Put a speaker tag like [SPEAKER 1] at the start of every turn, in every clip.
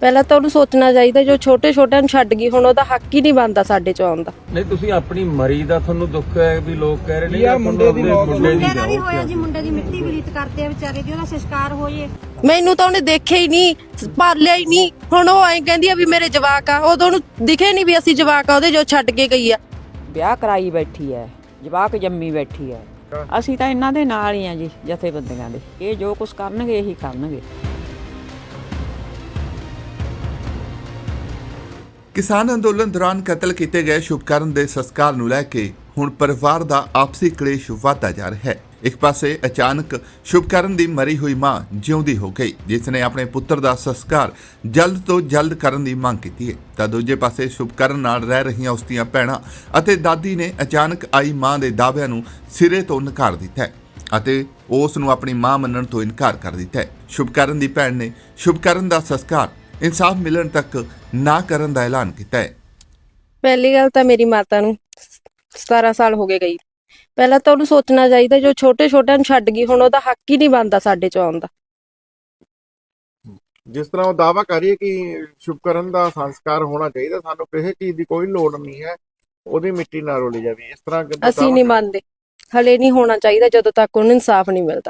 [SPEAKER 1] ਪਹਿਲਾਂ ਤਾਂ ਉਹਨੂੰ ਸੋਚਣਾ ਚਾਹੀਦਾ ਜੋ ਛੋਟੇ ਛੋਟਿਆਂ ਨੂੰ ਛੱਡ ਗਈ, ਹੁਣ ਉਹਦਾ ਹੱਕ ਹੀ ਨਹੀਂ ਬਣਦਾ ਸਾਡੇ ਚ ਆਉਣ ਦਾ।
[SPEAKER 2] ਨਹੀਂ ਤੁਸੀਂ ਆਪਣੀ ਮਰੀ ਦਾ ਤੁਹਾਨੂੰ ਦੁੱਖ ਹੈ ਵੀ ਲੋਕ ਕਹਿ ਰਹੇ ਨੇ
[SPEAKER 3] ਜਾਂ ਮੁੰਡੇ ਦੀ ਮੌਤ
[SPEAKER 4] ਮੁੰਡੇ ਦਾ ਵੀ ਹੋਇਆ ਜੀ, ਮੁੰਡੇ ਦੀ ਮਿੱਟੀ ਵੀ ਰੀਤ ਕਰਦੇ ਆ ਵਿਚਾਰੇ ਦੀ, ਉਹਦਾ ਸੰਸਕਾਰ ਹੋ ਜੇ।
[SPEAKER 1] ਮੈਨੂੰ ਤਾਂ ਉਹਨੇ ਦੇਖਿਆ ਹੀ ਨਹੀਂ, ਪਾਲਿਆ ਹੀ ਨਹੀਂ। ਹੁਣ ਉਹ ਐਂ ਕਹਿੰਦੀ ਆ ਵੀ ਮੇਰੇ ਜਵਾਕ ਆ, ਉਦੋਂ ਉਹਨੂੰ ਦਿਖੇ ਨਹੀਂ ਵੀ ਅਸੀਂ ਜਵਾਕ ਆ ਉਹਦੇ ਜੋ ਛੱਡ ਕੇ ਗਈ ਆ।
[SPEAKER 5] ਵਿਆਹ ਕਰਾਈ ਬੈਠੀ ਐ, ਜਵਾਕ ਜੰਮੀ ਬੈਠੀ ਐ। ਅਸੀਂ ਤਾਂ ਇਹਨਾਂ ਦੇ ਨਾਲ ਹੀ ਆ ਜੀ, ਜਥੇਬੰਦੀਆਂ ਦੇ। ਇਹ ਜੋ ਕੁਝ ਕਰਨਗੇ ਇਹੀ ਕਰਨਗੇ।
[SPEAKER 6] ਕਿਸਾਨ ਅੰਦੋਲਨ ਦੌਰਾਨ ਕਤਲ ਕੀਤੇ ਗਏ ਸ਼ੁਭਕਰਨ ਦੇ ਸੰਸਕਾਰ ਨੂੰ ਲੈ ਕੇ ਹੁਣ ਪਰਿਵਾਰ ਦਾ ਆਪਸੀ ਕਲੇਸ਼ ਵਧਦਾ ਜਾ ਰਿਹਾ ਹੈ। ਇੱਕ ਪਾਸੇ ਅਚਾਨਕ ਸ਼ੁਭਕਰਨ ਦੀ ਮਰੀ ਹੋਈ ਮਾਂ ਜਿਉਂਦੀ ਹੋ ਗਈ, ਜਿਸ ਨੇ ਆਪਣੇ ਪੁੱਤਰ ਦਾ ਸੰਸਕਾਰ ਜਲਦ ਤੋਂ ਜਲਦ ਕਰਨ ਦੀ ਮੰਗ ਕੀਤੀ ਹੈ, ਤਾਂ ਦੂਜੇ ਪਾਸੇ ਸ਼ੁਭਕਰਨ ਨਾਲ ਰਹਿ ਰਹੀਆਂ ਉਸ ਦੀਆਂ ਭੈਣਾਂ ਅਤੇ ਦਾਦੀ ਨੇ ਅਚਾਨਕ ਆਈ ਮਾਂ ਦੇ ਦਾਅਵਿਆਂ ਨੂੰ ਸਿਰੇ ਤੋਂ ਨਕਾਰ ਦਿੱਤਾ ਹੈ ਅਤੇ ਉਸ ਨੂੰ ਆਪਣੀ ਮਾਂ ਮੰਨਣ ਤੋਂ ਇਨਕਾਰ ਕਰ ਦਿੱਤਾ ਹੈ। ਸ਼ੁਭਕਰਨ ਦੀ ਭੈਣ ਨੇ ਸ਼ੁਭਕਰਨ ਦਾ ਸੰਸਕਾਰ ਇਨਸਾਫ ਮਿਲਣ ਤੱਕ ਨਾ ਕਰਨ ਦਾ ਐਲਾਨ ਕੀਤਾ ਹੈ।
[SPEAKER 1] ਪਹਿਲੀ ਗੱਲ ਤਾਂ ਮੇਰੀ ਮਾਤਾ ਨੂੰ 17 ਸਾਲ ਹੋ ਗਏ ਗਈ। ਪਹਿਲਾਂ ਤਾਂ ਉਹਨੂੰ ਸੋਚਣਾ ਚਾਹੀਦਾ ਜੋ ਛੋਟੇ ਛੋਟਿਆਂ ਨੂੰ ਛੱਡ ਗਈ, ਹੁਣ ਉਹਦਾ ਹੱਕ ਹੀ ਨਹੀਂ ਬਣਦਾ ਸਾਡੇ ਚ ਆਉਣ ਦਾ।
[SPEAKER 3] ਜਿਸ ਤਰ੍ਹਾਂ ਉਹ ਦਾਅਵਾ ਕਰੀਏ ਕਿ ਸ਼ੁਭਕਰਨ ਦਾ ਸੰਸਕਾਰ ਹੋਣਾ ਚਾਹੀਦਾ, ਸਾਨੂੰ ਕਿਸੇ ਚੀਜ਼ ਦੀ ਕੋਈ ਲੋੜ ਨਹੀਂ ਹੈ, ਉਹਦੀ ਮਿੱਟੀ ਨਾ ਰੋਲੀ ਜਾਵੇ, ਇਸ ਤਰ੍ਹਾਂ
[SPEAKER 1] ਅਸੀਂ ਨਹੀਂ ਮੰਨਦੇ, ਹਲੇ ਨਹੀਂ ਹੋਣਾ ਚਾਹੀਦਾ ਜਦੋਂ ਤੱਕ ਉਹਨੂੰ ਇਨਸਾਫ ਨਹੀਂ ਮਿਲਦਾ।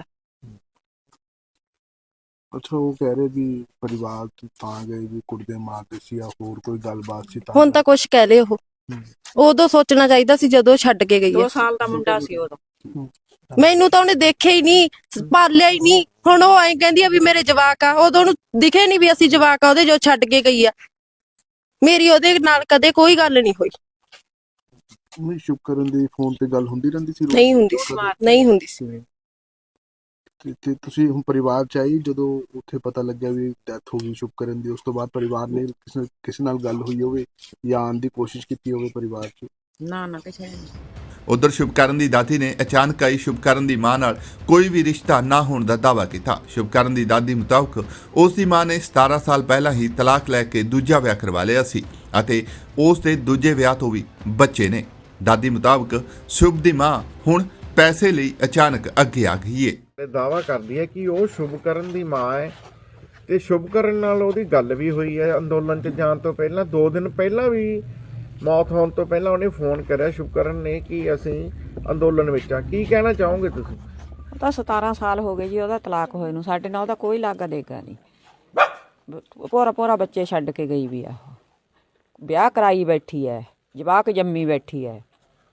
[SPEAKER 7] ਅੱਛਾ, ਉਹ ਕਹਿ ਰਹੇ ਵੀ ਪਰਿਵਾਰ ਤਾਂ ਗਏ ਵੀ ਕੁੜੀ ਦੇ ਮਾਰਦੇ ਸੀ ਜਾਂ ਹੋਰ ਕੋਈ ਗੱਲਬਾਤ ਸੀ?
[SPEAKER 1] ਹੁਣ ਤਾਂ ਕੁਝ ਕਹਿ ਲਏ ਉਹ, ਉਦੋਂ ਸੋਚਣਾ ਚਾਹੀਦਾ ਸੀ ਜਦੋਂ ਛੱਡ ਕੇ ਗਈ
[SPEAKER 5] 2
[SPEAKER 1] ਹੈ।
[SPEAKER 5] ਸਾਲ ਦਾ ਮੁੰਡਾ ਸੀ ਉਦੋਂ।
[SPEAKER 1] ਮੈਨੂੰ ਤਾਂ ਉਹਨੇ ਦੇਖਿਆ ਹੀ ਨਹੀਂ, ਪਾਲਿਆ ਹੀ ਨਹੀਂ। ਹੁਣ ਉਹ ਐਂ ਕਹਿੰਦੀ ਆ ਵੀ ਮੇਰੇ ਜਵਾਕ ਆ, ਉਦੋਂ ਉਹਨੂੰ ਦਿਖੇ ਨਹੀਂ ਵੀ ਅਸੀਂ ਜਵਾਕ ਆ ਉਹਦੇ ਜੋ ਛੱਡ ਕੇ ਗਈ ਆ। ਮੇਰੀ ਉਹਦੇ ਨਾਲ ਕਦੇ ਕੋਈ ਗੱਲ ਨਹੀਂ ਹੋਈ।
[SPEAKER 7] ਨਹੀਂ, ਸ਼ੁਭਕਰਨ ਦੀ ਫੋਨ ਤੇ ਗੱਲ ਹੁੰਦੀ ਰਹਿੰਦੀ ਸੀ?
[SPEAKER 1] ਨਹੀਂ ਹੁੰਦੀ ਸੀ, ਨਹੀਂ ਹੁੰਦੀ ਸੀ।
[SPEAKER 7] ਤੇ ਤੁਸੀਂ ਹੁਣ ਪਰਿਵਾਰ ਚ ਆਈ ਜਦੋਂ ਉੱਥੇ ਪਤਾ ਲੱਗਿਆ ਵੀ ਡੈਥ ਹੋ ਗਈ ਸ਼ੁਭਕਰਨ ਦੀ, ਉਸ ਤੋਂ ਬਾਅਦ ਪਰਿਵਾਰ ਨੇ ਕਿਸੇ ਨਾਲ ਗੱਲ ਹੋਈ ਹੋਵੇ ਜਾਂ ਆਉਣ ਦੀ ਕੋਸ਼ਿਸ਼ ਕੀਤੀ ਹੋਵੇ ਪਰਿਵਾਰ ਚ?
[SPEAKER 5] ਨਾ ਕਿਸੇ ਨੇ।
[SPEAKER 6] ਉਧਰ ਸ਼ੁਭਕਰਨ ਦੀ ਦਾਦੀ ਨੇ ਅਚਾਨਕ ਆਈ ਸ਼ੁਭਕਰਨ ਦੀ ਮਾਂ ਨਾਲ ਕੋਈ ਵੀ ਰਿਸ਼ਤਾ ਨਾ ਹੋਣ ਦਾ ਦਾਅਵਾ ਕੀਤਾ। ਸ਼ੁਭਕਰਨ ਦੀ ਦਾਦੀ ਮੁਤਾਬਕ ਉਸ ਦੀ ਮਾਂ ਨੇ 17 ਸਾਲ ਪਹਿਲਾਂ ਹੀ ਤਲਾਕ ਲੈ ਕੇ ਦੂਜਾ ਵਿਆਹ ਕਰਵਾ ਲਿਆ ਸੀ ਅਤੇ ਉਸ ਦੇ ਦੂਜੇ ਵਿਆਹ ਤੋਂ ਵੀ ਬੱਚੇ ਨੇ। ਦਾਦੀ ਮੁਤਾਬਕ ਸ਼ੁਭ ਦੀ ਮਾਂ ਹੁਣ ਪੈਸੇ ਲਈ ਅਚਾਨਕ ਅੱਗੇ ਆ ਗਈ ਹੈ।
[SPEAKER 3] ਦਾਅਵਾ ਕਰਦੀ ਹੈ ਕਿ ਉਹ ਸ਼ੁਭਕਰਨ ਦੀ ਮਾਂ ਹੈ ਤੇ ਸ਼ੁਭਕਰਨ ਨਾਲ ਉਹਦੀ ਗੱਲ ਵੀ ਹੋਈ ਹੈ ਅੰਦੋਲਨ 'ਚ ਜਾਣ ਤੋਂ ਪਹਿਲਾਂ। 2 ਦਿਨ ਪਹਿਲਾਂ ਵੀ ਮੌਤ ਹੋਣ ਤੋਂ ਪਹਿਲਾਂ ਉਹਨੇ ਫੋਨ ਕਰਿਆ ਸ਼ੁਭਕਰਨ ਨੇ ਕਿ ਅਸੀਂ ਅੰਦੋਲਨ ਵਿੱਚ ਆ। ਕੀ ਕਹਿਣਾ ਚਾਹੋਗੇ ਤੁਸੀਂ?
[SPEAKER 5] ਉਹ ਤਾਂ 17 ਸਾਲ ਹੋ ਗਏ ਜੀ ਉਹਦਾ ਤਲਾਕ ਹੋਏ ਨੂੰ, ਸਾਡੇ ਨਾਲ ਉਹਦਾ ਕੋਈ ਲਾਗਾ ਦੇਗਾ ਨਹੀਂ। ਪੂਰਾ ਬੱਚੇ ਛੱਡ ਕੇ ਗਈ ਵੀ ਆ। ਵਿਆਹ ਕਰਾਈ ਬੈਠੀ ਐ, ਜਵਾਕ ਜੰਮੀ ਬੈਠੀ ਐ।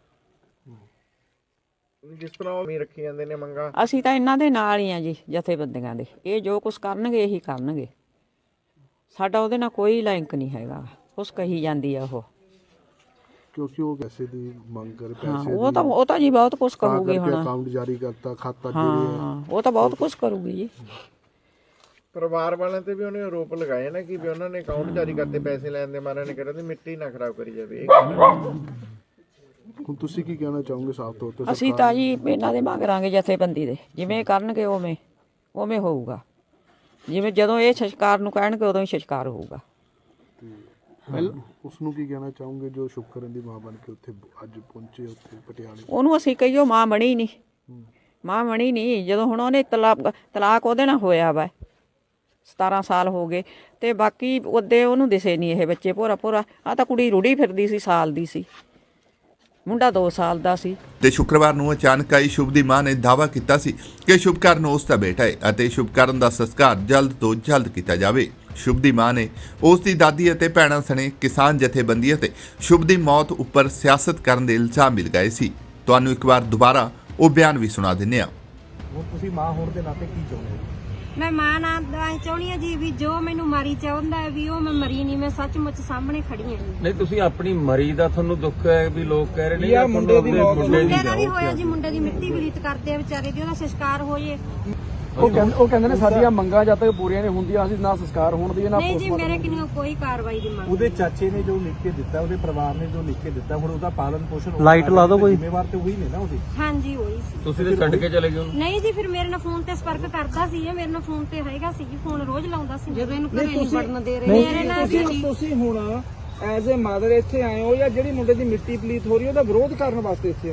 [SPEAKER 3] ਜਿਸ ਤਰ੍ਹਾਂ ਉਹ ਰੱਖੀ ਜਾਂਦੇ ਨੇ ਮੰਗਾ,
[SPEAKER 5] ਅਸੀਂ ਤਾਂ ਇਹਨਾਂ ਦੇ ਨਾਲ ਹੀ ਆ ਜੀ, ਜਥੇਬੰਦੀਆਂ ਦੇ। ਇਹ ਜੋ ਕੁਝ ਕਰਨਗੇ ਇਹੀ ਕਰਨਗੇ, ਸਾਡਾ ਉਹਦੇ ਨਾਲ ਕੋਈ ਲਿੰਕ ਨਹੀਂ ਹੈਗਾ। ਕੁਛ ਕਹੀ ਜਾਂਦੀ ਆ ਉਹ,
[SPEAKER 7] ਕਿਉਂਕਿ ਉਹ ਪੈਸੇ ਦੀ ਮੰਗ ਕਰ
[SPEAKER 5] ਹਾਂ।
[SPEAKER 7] ਪੈਸੇ
[SPEAKER 5] ਉਹ ਤਾਂ ਜੀ ਬਹੁਤ ਕੁਝ ਕਰੂਗੀ ਹੁਣ।
[SPEAKER 7] ਅਕਾਊਂਟ ਜਾਰੀ ਕਰਤਾ, ਖਾਤਾ
[SPEAKER 5] ਹਾਂ, ਉਹ ਤਾਂ ਬਹੁਤ ਕੁਝ ਕਰੂਗੀ ਜੀ।
[SPEAKER 3] ਪਰਿਵਾਰ ਵਾਲਿਆਂ ਤੇ ਵੀ ਉਹਨੇ ਆਰੋਪ ਲਗਾਏ ਨਾ ਕਿ ਵੀ ਉਹਨਾਂ ਨੇ ਅਕਾਊਂਟ ਜਾਰੀ ਕਰਤੇ ਪੈਸੇ ਲੈਣ ਦੇ ਮਾਰੇ ਨੇ, ਕਹਿੰਦੇ ਦੀ ਮਿੱਟੀ ਨਾ ਖਰਾਬ ਕਰੀ ਜਾਵੇ।
[SPEAKER 7] ਹੁਣ ਤੁਸੀਂ ਕੀ ਕਹਿਣਾ ਚਾਹੋਗੇ ਸਾਫ਼ ਤੌਰ ਤੇ?
[SPEAKER 5] ਅਸੀਂ ਤਾਂ ਜੀ ਇਹਨਾਂ ਦੇ ਮੰਗਾਂਗੇ ਜਥੇਬੰਦੀ ਦੇ, ਜਿਵੇਂ ਕਰਨਗੇ ਉਵੇਂ ਹੋਊਗਾ। ਜਿਵੇਂ ਜਦੋਂ ਇਹ ਸੰਸਕਾਰ ਨੂੰ ਕਹਿਣਗੇ ਉਦੋਂ ਹੀ ਸੰਸਕਾਰ ਹੋਊਗਾ।
[SPEAKER 7] ਉਸ ਨੂੰ ਕੀ ਕਹਿਣਾ ਚਾਹੋਗੇ ਜੋ ਸ਼ੁਭਕਰਨ ਦੀ ਮਾਂ ਬਣ ਕੇ ਉੱਥੇ ਅੱਜ ਪਹੁੰਚੇ ਉੱਥੇ ਪਟਿਆਲੇ?
[SPEAKER 5] ਉਹਨੂੰ ਅਸੀਂ ਕਹੀਓ ਮਾਂ ਬਣੀ ਨਹੀਂ। ਜਦੋਂ ਹੁਣ ਉਹਨੇ ਤਲਾਕ ਉਹਦੇ ਨਾਲ ਹੋਇਆ ਵਾ, 17 ਸਾਲ ਹੋ ਗਏ ਤੇ ਬਾਕੀ ਉਹਦੇ ਉਹਨੂੰ ਦਿਸੇ ਨਹੀਂ ਇਹ ਬੱਚੇ। ਪੂਰਾ ਆ ਤਾਂ ਕੁੜੀ ਰੁੜੀ ਫਿਰਦੀ ਸੀ, ਸਾਲ ਦੀ ਸੀ, ਮੁੰਡਾ 2 ਸਾਲ ਦਾ ਸੀ।
[SPEAKER 6] ਤੇ ਸ਼ੁੱਕਰਵਾਰ ਨੂੰ ਅਚਾਨਕ ਆਈ ਸ਼ੁਭ ਦੀ ਮਾਂ ਨੇ ਦਾਅਵਾ ਕੀਤਾ ਸੀ ਕਿ ਸ਼ੁਭਕਰਨ ਉਸ ਦਾ ਬੇਟਾ ਹੈ ਅਤੇ ਸ਼ੁਭਕਰਨ ਦਾ ਸੰਸਕਾਰ ਜਲਦ ਤੋਂ ਜਲਦ ਕੀਤਾ ਜਾਵੇ। ਸ਼ੁਭ ਦੀ ਮਾਂ ਨੇ ਉਸ ਦੀ ਦਾਦੀ ਅਤੇ ਭੈਣਾਂ ਸਣੇ ਕਿਸਾਨ ਜਥੇਬੰਦੀਆਂ ਤੇ ਸ਼ੁਭ ਦੀ ਮੌਤ ਉੱਪਰ ਸਿਆਸਤ ਕਰਨ ਦੇ ਇਲਜ਼ਾਮ ਮਿਲ ਗਏ ਸੀ। ਤੁਹਾਨੂੰ ਇੱਕ ਵਾਰ ਦੁਬਾਰਾ ਉਹ ਬਿਆਨ ਵੀ ਸੁਣਾ ਦਿੰਦੇ ਹਾਂ।
[SPEAKER 8] ਤੁਸੀਂ ਮਾਂ ਹੋਣ ਦੇ ਨਾਤੇ ਕੀ ਚਾਹੁੰਦੇ ਹੋ?
[SPEAKER 4] ਮੈਂ ਮਾਂ ਨਾਲ ਚਾਹੁੰਦੀ ਆ ਜੀ ਵੀ ਜੋ ਮੈਨੂੰ ਮਾਰੀ ਚਾਹੁੰਦਾ ਹੈ ਵੀ ਉਹ ਮੈਂ ਮਰੀ ਨਹੀਂ, ਮੈਂ ਸੱਚਮੁੱਚ ਸਾਹਮਣੇ ਖੜੀ ਹਾਂ ਜੀ।
[SPEAKER 2] ਨਹੀਂ ਤੁਸੀਂ ਆਪਣੀ ਮਰੀ ਦਾ ਤੁਹਾਨੂੰ ਦੁੱਖ ਹੈ ਵੀ ਲੋਕ ਕਹਿ ਰਹੇ ਨੇ
[SPEAKER 3] ਜਾਂ ਮੁੰਡੇ ਦੀ ਮੌਤ
[SPEAKER 4] ਮੁੰਡੇ ਦਾ ਵੀ ਹੋਇਆ ਜੀ, ਮੁੰਡੇ ਦੀ ਮਿੱਟੀ ਵੀ ਰੀਤ ਕਰਦੇ ਆ ਵਿਚਾਰੇ ਦੀ, ਉਹਦਾ ਸੰਸਕਾਰ ਹੋ ਜੇ।
[SPEAKER 8] ਉਹ ਕਹਿੰਦੇ ਨੇ ਸਾਡੀਆਂ ਮੰਗਾਂ ਜਦ ਤੱਕ ਪੂਰੀਆਂ ਨਹੀਂ ਹੁੰਦੀਆਂ ਅਸੀਂ ਨਾ ਸੰਸਕਾਰ ਹੋਣ ਦੀ ਨਾ
[SPEAKER 4] ਨਹੀਂ ਜੀ, ਮੇਰੇ ਕਿੰਨੀ ਕੋਈ ਕਾਰਵਾਈ ਦੀ ਮੰਗ।
[SPEAKER 8] ਉਹਦੇ ਚਾਚੇ ਨੇ ਜੋ ਲਿਖ ਕੇ ਦਿੱਤਾ, ਉਹਦੇ ਪਰਿਵਾਰ ਨੇ ਜੋ ਲਿਖ ਕੇ ਦਿੱਤਾ, ਹੁਣ ਉਹਦਾ ਪਾਲਣ ਪੋਸ਼ਣ ਲਾਈਟ ਲਾ ਦੋ ਕੋਈ ਜ਼ਿੰਮੇਵਾਰ ਤੇ ਉਹੀ ਨੇ ਨਾ ਉਹਦੀ।
[SPEAKER 4] ਹਾਂਜੀ ਹੋਈ ਸੀ।
[SPEAKER 2] ਤੁਸੀਂ ਤੇ ਛੱਡ ਕੇ ਚਲੇ ਗਏ ਉਹਨੂੰ?
[SPEAKER 4] ਨਹੀਂ ਜੀ, ਫਿਰ ਮੇਰੇ ਨਾਲ ਫੋਨ ਤੇ ਸੰਪਰਕ ਕਰਦਾ ਸੀ, ਇਹ ਮੇਰੇ ਨਾਲ ਫੋਨ ਤੇ ਹੈਗਾ ਸੀ ਜੀ, ਫੋਨ ਰੋਜ਼ ਲਾਉਂਦਾ ਸੀ। ਜਦੋਂ ਇਹਨੂੰ ਘਰੇ ਨਹੀਂ ਵੜਨ ਦੇ ਰਹੇ ਮੇਰੇ ਨਾਲ ਵੀ।
[SPEAKER 3] ਤੁਸੀਂ ਹੁਣ ਐਜ਼ ਅ ਮਦਰ ਇੱਥੇ ਆਏ ਹੋ ਜਾਂ ਜਿਹੜੀ ਮੁੰਡੇ ਦੀ ਮਿੱਟੀ ਪਲੀਤ ਹੋ ਰਹੀ ਉਹਦਾ ਵਿਰੋਧ ਕਰਨ ਵਾਸਤੇ ਇੱਥੇ ਆਏ ਹੋ?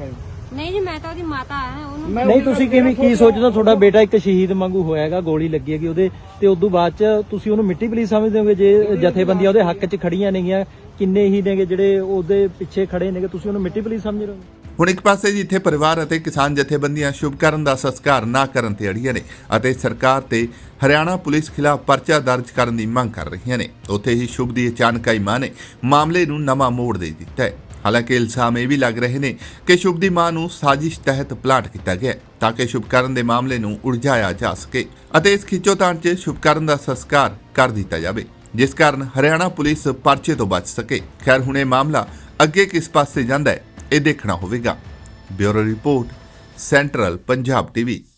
[SPEAKER 4] ਨਹੀਂ ਜੀ ਮੈਂ ਤਾਂ ਉਹਦੀ ਮਾਤਾ ਆ ਉਹਨੂੰ
[SPEAKER 9] ਨਹੀਂ ਤੁਸੀਂ ਕਿਵੇਂ ਕੀ ਸੋਚਦੇ ਹੋ ਤੁਹਾਡਾ ਬੇਟਾ ਇੱਕ ਸ਼ਹੀਦ ਵਾਂਗੂ ਹੋਇਆਗਾ, ਗੋਲੀ ਲੱਗੀ ਹੈਗੀ ਉਹਦੇ ਤੇ ਉਦੋਂ ਬਾਅਦ ਚ ਤੁਸੀਂ ਉਹਨੂੰ ਮਿੱਟੀ ਪਲੀਸ ਸਮਝਦੇ ਹੋਗੇ? ਜੇ ਜਥੇਬੰਦੀਆਂ ਉਹਦੇ ਹੱਕ 'ਚ ਖੜੀਆਂ ਨੇਗੀਆਂ, ਕਿੰਨੇ ਹੀ ਨੇਗੇ ਜਿਹੜੇ ਉਹਦੇ ਪਿੱਛੇ ਖੜੇ ਨੇਗੇ, ਤੁਸੀਂ ਉਹਨੂੰ ਮਿੱਟੀ ਪਲੀਸ ਸਮਝ ਰਹੇ ਹੋ?
[SPEAKER 6] ਹੁਣ ਇੱਕ ਪਾਸੇ ਜਿੱਥੇ ਪਰਿਵਾਰ ਅਤੇ ਕਿਸਾਨ ਜਥੇਬੰਦੀਆਂ ਸ਼ੁਭਕਰਨ ਦਾ ਸੰਸਕਾਰ ਨਾ ਕਰਨ ਤੇ ਅੜੀਆਂ ਨੇ ਅਤੇ ਸਰਕਾਰ ਤੇ ਹਰਿਆਣਾ ਪੁਲਿਸ ਖਿਲਾਫ ਪਰਚਾ ਦਰਜ ਕਰਨ ਦੀ ਮੰਗ ਕਰ ਰਹੀਆਂ ਨੇ, ਉੱਥੇ ਹੀ ਸ਼ੁਭ ਦੀ ਅਚਾਨਕ ਆਈ ਮਾਂ ਨੇ ਮਾਮਲੇ ਨੂੰ ਨਵਾਂ ਮੋੜ ਦੇ ਦਿੱਤਾ ਹੈ। ਹਾਲਾਂਕਿ ਇਲਜ਼ਾਮ ਇਹ ਵੀ ਲੱਗ ਰਹੇ ਨੇ ਕਿ ਸ਼ੁਭ ਦੀ ਮਾਂ ਨੂੰ ਸਾਜ਼ਿਸ਼ ਤਹਿਤ ਪਲਾਟ ਕੀਤਾ ਗਿਆ ਤਾਂ ਕਿ ਸ਼ੁਭਕਰਨ ਦੇ ਮਾਮਲੇ ਨੂੰ ਉਲਝਾਇਆ ਜਾ ਸਕੇ ਅਤੇ ਇਸ ਖਿੱਚੋਤਾਣ 'ਚ ਸ਼ੁਭਕਰਨ ਦਾ ਸੰਸਕਾਰ ਕਰ ਦਿੱਤਾ ਜਾਵੇ, ਜਿਸ ਕਾਰਨ ਹਰਿਆਣਾ ਪੁਲਿਸ ਪਰਚੇ ਤੋਂ ਬਚ ਸਕੇ। ਖੈਰ ਹੁਣ ਇਹ ਮਾਮਲਾ ਅੱਗੇ ਕਿਸ ਪਾਸੇ ਜਾਂਦਾ ਹੈ ਇਹ ਦੇਖਣਾ ਹੋਵੇਗਾ। Bureau report, central Punjab TV.